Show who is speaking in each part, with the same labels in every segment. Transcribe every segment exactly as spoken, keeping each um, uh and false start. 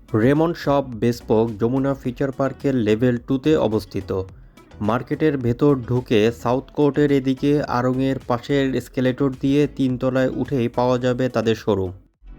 Speaker 1: Raymond shop bespoke Jamuna future পার্কের level টুতে অবস্থিত। মার্কেটের ভেতর ঢুকে সাউথ কোর্টের এদিকে আড়ংয়ের পাশের এসকেলেটর দিয়ে তিনতলায় উঠেই পাওয়া যাবে তাদের শোরুম।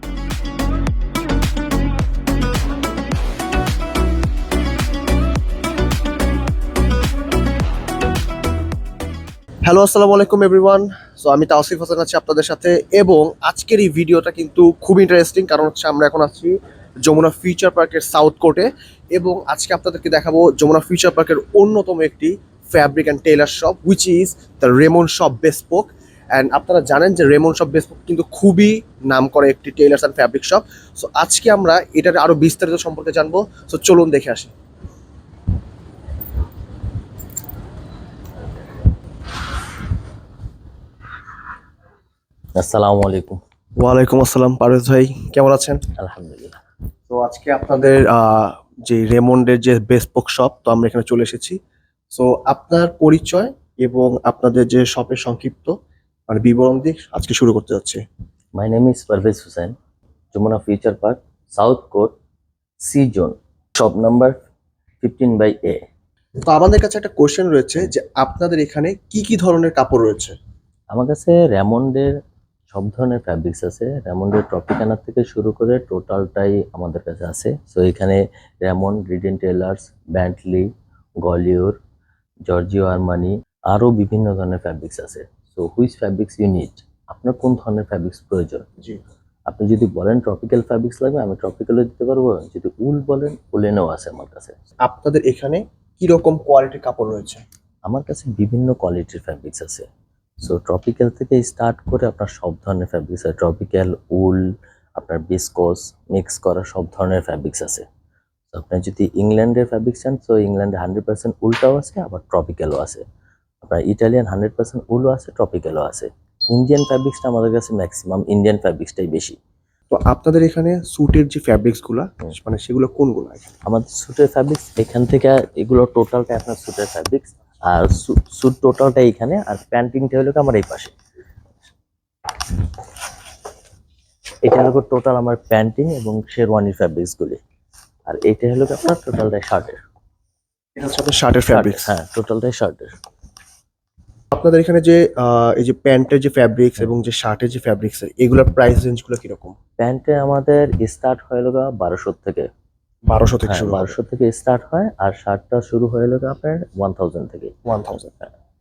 Speaker 2: হ্যালো, আসসালামু আলাইকুম এভরিওয়ান। সো আমি তাওসিফ হাসান আছি আপনাদের সাথে, এবং আজকের এই ভিডিওটা কিন্তু খুব ইন্টারেস্টিং, কারণ হচ্ছে আমরা এখন আছি যমুনা ফিউচার পার্কের সাউথ কোর্টে, এবং আজকে আপনাদেরকে দেখাবো যমুনা ফিউচার পার্কের অন্যতম একটি fabric and tailor shop, which is the Raymond shop bespoke. And আপনারা জানেন যে রেমন্ড শপ বেসপোক কিন্তু খুবই নাম করে একটি tailors and fabric shop. So আজকে আমরা এটার আরও বিস্তারিত সম্পর্কে জানবো। সো চলুন দেখে আসি।
Speaker 3: আসসালামু আলাইকুম।
Speaker 2: ওয়ালাইকুম আসসালাম পারভেজ ভাই, কেমন আছেন?
Speaker 3: আলহামদুলিল্লাহ।
Speaker 2: তো আজকে আপনাদের আহ, যে রেমন্ডের যে বেসপোক শপ, তো আমরা এখানে চলে এসেছি। সো আপনার পরিচয় এবং আপনাদের যে শপের সংক্ষিপ্ত মানে বিবরণ দিয়ে আজকে শুরু করতে যাচ্ছি।
Speaker 3: My name is Parvez Hossain, Jamuna future park, south court, C zone, shop number fifteen by A.
Speaker 2: তো আমাদের কাছে একটা কোশ্চেন রয়েছে যে আপনাদের এখানে কি কি ধরনের কাপড় রয়েছে?
Speaker 3: আমার কাছে রেমন্ডের সব ধরনের ফ্যাব্রিক্স আছে। রেমন্ডের ট্রপিকানা থেকে শুরু করে টোটালটাই আমাদের কাছে আছে। সো এখানে রেমন্ড, রিডেন টেলার্স, ব্যান্টলি, গলিওর, জর্জিও আরমানি, আরও বিভিন্ন ধরনের ফ্যাব্রিক্স আছে। So which fabrics you need, আপনার কোন ধরনের ফ্যাব্রিক্স প্রয়োজন?
Speaker 2: জি।
Speaker 3: আপনি যদি বলেন ট্রপিক্যাল ফ্যাব্রিক্স লাগবে, আমি ট্রপিক্যালও দিতে পারবো। যদি উল বলেন, উলেনও আছে আমার কাছে।
Speaker 2: আপনাদের এখানে কি রকম কোয়ালিটির কাপড় রয়েছে?
Speaker 3: আমার কাছে বিভিন্ন কোয়ালিটির ফ্যাব্রিক্স আছে। সো ট্রপিক্যাল থেকে স্টার্ট করে আপনার সব ধরনের ফ্যাব্রিক্স আছে। ট্রপিক্যাল, উল, আপনার বিসকস, মিক্স করা সব ধরনের ফ্যাব্রিক্স আছে। তো আপনি যদি ইংল্যান্ডের ফ্যাব্রিক্স চান, তো ইংল্যান্ডে হান্ড্রেড পার্সেন্ট উলটাও আছে, আবার ট্রপিক্যালও আছে। আপনার ইটালিয়ান হান্ড্রেড পার্সেন্ট উলও আছে, ট্রপিক্যালও আছে। ইন্ডিয়ান ফ্যাব্রিক্সটা আমাদের কাছে ম্যাক্সিমাম ইন্ডিয়ান ফ্যাব্রিক্সটাই বেশি।
Speaker 2: তো আপনাদের এখানে স্যুটের যে ফ্যাব্রিক্স গুলা মানে সেগুলো কোনগুলো?
Speaker 3: আমাদের স্যুটের ফ্যাব্রিক্স এখান থেকে, এগুলো টোটালটা আপনার স্যুটের ফ্যাব্রিক্স, আর স্যুট টোটালটা এইখানে, আর প্যান্টিংটা হলো আমার এই পাশে। এটা হলো টোটাল আমার প্যান্টিং এবং শেরওয়ানির ফ্যাব্রিক্সগুলি, আর এটা হলো আপনার টোটালটাই শার্টের।
Speaker 2: এটা হচ্ছে আপনার শার্টের ফ্যাব্রিক্স?
Speaker 3: হ্যাঁ, টোটালটাই শার্টের।
Speaker 2: আপনাদের এখানে যে আহ, এই যে প্যান্টের যে ফ্যাব্রিক্স এবং যে শার্টের যে ফ্যাব্রিক্স, এগুলোর প্রাইস রেঞ্জগুলো কিরকম?
Speaker 3: প্যান্টে আমাদের স্টার্ট হয়ে গেল বারোশো থেকে।
Speaker 2: বারোশো থেকে
Speaker 3: হ্যাঁ,
Speaker 2: শুরু?
Speaker 3: বারোশো থেকে স্টার্ট হয়, আর শার্টটা শুরু হয়ে গেল আপনার ওয়ান থাউজেন্ড থেকে।
Speaker 2: One thousand.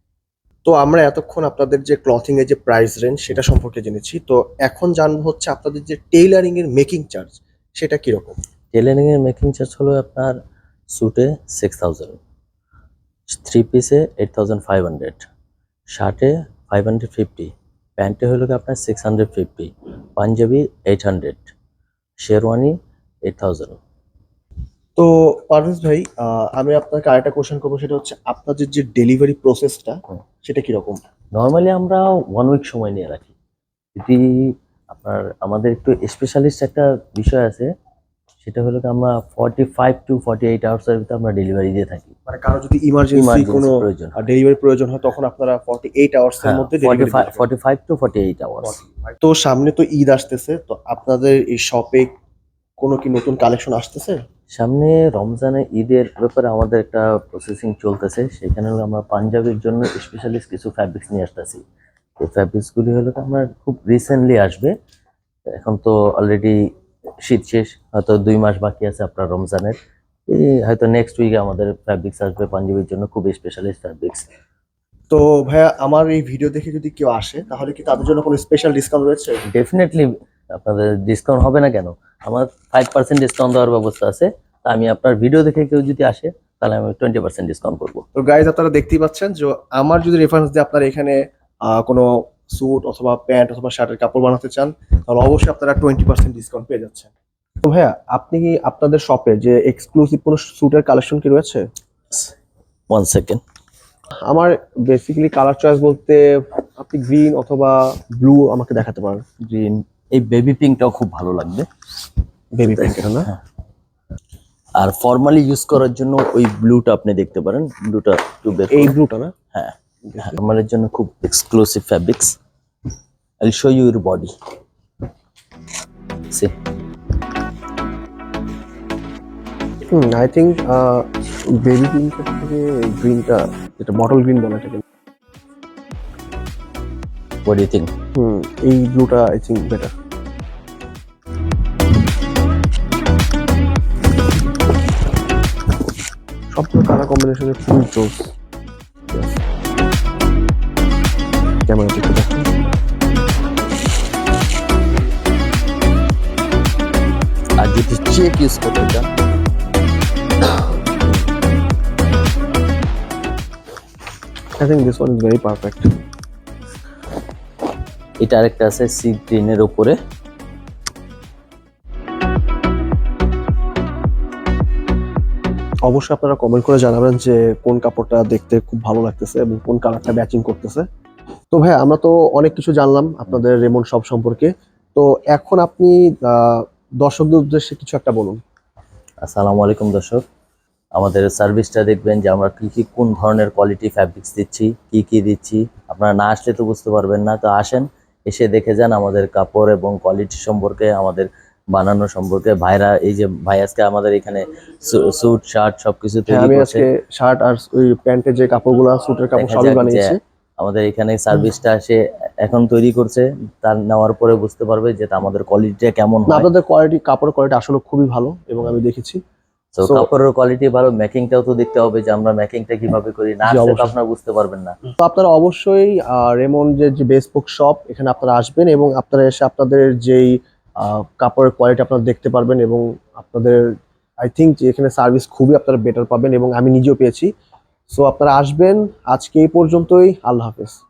Speaker 2: তো আমরা এতক্ষণ আপনাদের যে ক্লথিং এর যে প্রাইস রেঞ্জ সেটা সম্পর্কে জেনেছি, তো এখন জানবো হচ্ছে আপনাদের যে টেইলারিং এর মেকিং চার্জ সেটা কিরকম?
Speaker 3: টেলারিং এর মেকিং চার্জ হলো আপনার স্যুটে সিক্স থাউজেন্ড, থ্রি পিসে এইট থাউজেন্ড ফাইভ হান্ড্রেড, শার্টে ফাইভ হান্ড্রেড ফিফটি, প্যান্টে হলো কি আপনার six hundred fifty, panjabi eight hundred, sherwani eight thousand.
Speaker 2: তো পারভেজ ভাই, আহ, আমি আপনাকে আরেকটা কোশ্চেন করবো, সেটা হচ্ছে আপনাদের যে ডেলিভারি প্রসেসটা সেটা কিরকম?
Speaker 3: নর্মালি আমরা ওয়ান উইক সময় নিয়ে রাখি। যদি আপনার, আমাদের একটু স্পেশালিস্ট একটা বিষয় আছে, সেটা হলো কি আমরা forty five to forty eight আওয়ার্সের ভিতরে আমরা ডেলিভারি দিয়ে থাকি।
Speaker 2: মানে কারো যদি ইমার্জেন্সি
Speaker 3: Emergency
Speaker 2: কোনো
Speaker 3: প্রয়োজন।
Speaker 2: ডেলিভারি প্রয়োজন হয় তখন আপনারা ফর্টি এইট আওয়ার্স এর মধ্যে delivery?
Speaker 3: Forty five to forty eight hours.
Speaker 2: তো সামনে তো ঈদ আসতেছে, তো আপনাদের এই শপে কোনো কি নতুন কালেকশন আসতেছে?
Speaker 3: সামনে রমজানে ঈদের ব্যাপারে আমাদের একটা প্রসেসিং চলতেছে। সেখানে হলো আমরা পাঞ্জাবির জন্য স্পেশালিস্ট কিছু ফ্যাব্রিক্স নিয়ে আসতেছি। এই ফ্যাব্রিক্সগুলি হলো আমার খুব রিসেন্টলি আসবে। এখন তো অলরেডি শীত শেষ, হয়তো দুই মাস বাকি আছে আপনার রমজানের। এই হয়তো নেক্সট উইকে আমাদের ফ্যাব্রিক্স আসবে পাঞ্জাবির জন্য, খুব স্পেশালিস্ট ফ্যাব্রিক্স।
Speaker 2: তো ভাইয়া, আমার এই ভিডিও দেখে যদি কেউ আসে তাহলে কি তাদের জন্য কোনো স্পেশাল ডিসকাউন্ট রয়েছে?
Speaker 3: ডেফিনেটলি আপনাদের ডিসকাউন্ট হবে না কেন? আমার ফাইভ পার্সেন্ট ডিসকাউন্ট দেওয়ার ব্যবস্থা আছে। তা আমি আপনার ভিডিও দেখে কেউ যদি আসে, তাহলে আমি টোয়েন্টি পার্সেন্ট ডিসকাউন্ট করবো।
Speaker 2: তো গাইজ, আপনারা দেখতেই পাচ্ছেন যে আমার যদি রেফারেন্স দিয়ে আপনারা এখানে আহ, কোনো স্যুট অথবা প্যান্ট অথবা শার্টের কাপড় বানাতে চান, তাহলে অবশ্যই আপনারা টোয়েন্টি পার্সেন্ট ডিসকাউন্ট পেয়ে যাচ্ছেন। তো ভাইয়া, আপনি কি আপনাদের শপে যে এক্সক্লুসিভ কোনো স্যুটের কালেকশন কি রয়েছে?
Speaker 3: One second.
Speaker 2: আমার বেসিক্যালি কালার চয়েস বলতে আপনি গ্রিন অথবা ব্লু আমাকে দেখাতে পারেন।
Speaker 3: গ্রিন, এই বেবি পিঙ্কটাও খুব ভালো লাগবে।
Speaker 2: বেবি পিঙ্ক, এটা না?
Speaker 3: হ্যাঁ। আর ফর্মালি ইউজ করার জন্য ওই ব্লুটা আপনি দেখতে পারেন। ব্লুটা একটু বের
Speaker 2: এই
Speaker 3: করুন।
Speaker 2: ব্লুটা না?
Speaker 3: হ্যাঁ, ফর্মালের জন্য খুব exclusive fabrics. I will show you your body. See,
Speaker 2: hmm I think baby পিঙ্কের থেকে গ্রিনটা যেটা বটল গ্রিন বলে এটাকে,
Speaker 3: what do you think?
Speaker 2: Hmm এই ব্লুটা আই থিঙ্ক বেটার। সবগুলো কালার কম্বিনেশনে ফুল জোস। ক্যামেরা দেখতে দেখো।
Speaker 3: আর যদি চেক ইউজ করতে চান,
Speaker 2: I think this one is very perfect.
Speaker 3: এটা আরেকটা আছে সি গ্রিনের উপরে।
Speaker 2: অবশ্যই আপনারা কমেন্ট করে জানাবেন যে কোন কাপড়টা দেখতে খুব ভালো লাগতেছে এবং কোন কালারটা ম্যাচিং করতেছে। তো ভাই আমরা তো অনেক কিছু জানলাম আপনাদের রেমন শপ সম্পর্কে। তো এখন আপনি আহ, দর্শকদের উদ্দেশ্যে কিছু একটা বলুন।
Speaker 3: আসসালামু আলাইকুম দর্শক, আমাদের সার্ভিসটা দেখবেন যে আমরা কি কি কোন ধরনের কোয়ালিটি ফ্যাব্রিক্স দিচ্ছি, কি কি দিচ্ছি। আপনারা না আসলে তো বুঝতে পারবেন না, তো আসেন, এসে দেখে যান আমাদের কাপড় এবং কোয়ালিটি সম্পর্কে, আমাদের বানানো সম্পর্কে। ভাইরা এই যে ভাই আজকে আমাদের এখানে স্যুট শার্ট সবকিছু
Speaker 2: হ্যাঁ
Speaker 3: তৈরি
Speaker 2: আমি
Speaker 3: করছে।
Speaker 2: আজকে শার্ট আর ওই প্যান্টের যে কাপড়গুলো স্যুটের কাপড়
Speaker 3: দেখা
Speaker 2: সবই
Speaker 3: যাক যে
Speaker 2: বানিয়েছি।
Speaker 3: আমাদের এখানে সার্ভিসটা সে এখন তৈরি করছে, তার নেওয়ার পরে বুঝতে পারবে যে তা আমাদের কোয়ালিটিটা কেমন
Speaker 2: না
Speaker 3: হয়।
Speaker 2: আপনাদের কোয়ালিটি কাপড়ের কোয়ালিটি আসলে খুবই ভালো এবং আমি দেখেছি।
Speaker 3: তো
Speaker 2: So-
Speaker 3: কাপড়ের কোয়ালিটি ভালো, মেকিংটাও তো দেখতে হবে যে আমরা মেকিংটা কিভাবে করি, না
Speaker 2: জি,
Speaker 3: আসলে তো
Speaker 2: অবশ্যই।
Speaker 3: আপনারা বুঝতে পারবেন না।
Speaker 2: তো আপনারা অবশ্যই রেমন যে বেসপোক শপ এখানে আপনারা আসবেন এবং আপনারা এসে আপনাদের যেই আহ, কাপড়ের কোয়ালিটি আপনারা দেখতে পারবেন এবং আপনাদের আই থিঙ্ক যে এখানে সার্ভিস খুবই আপনারা বেটার পাবেন এবং আমি নিজেও পেয়েছি। সো আপনারা আসবেন, আজকে এই পর্যন্তই, আল্লাহ হাফেজ।